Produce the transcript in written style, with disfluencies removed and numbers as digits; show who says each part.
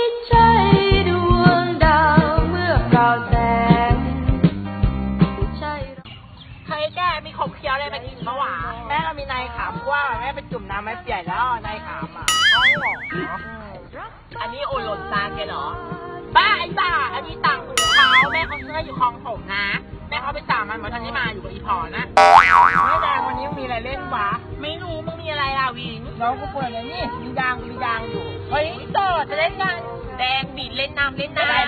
Speaker 1: ใช่ดวงดาวเมื่อเปล่าแสงไม่ใช่
Speaker 2: เฮ้ยแกมีขบเคี้ยวอะไรมากินเมื่อวานแม่ก็มีนายขามว่าแม่ไปจุ่มน้ำไม่เปียกแล้วนายขามอ่ะเอาหรออันนี้โอหล่นซานแกเหรอบ้าไอ้บ้าอันนี้ต่างหูเขาแม่เขาซื้ออยู่คลองถมนะแม่เขาไปตามมันทันได้มาอยู่กับอีพอนะไม่แดงวันนี้มีอะไรเล่นวะไม่รู้มึงมีอะไรอ่ะวิงน้องกูเปิดเลยนี่มียางอยู่เฮ้ยเจอจะเล่นกันแดงบีดเล่นน้ำ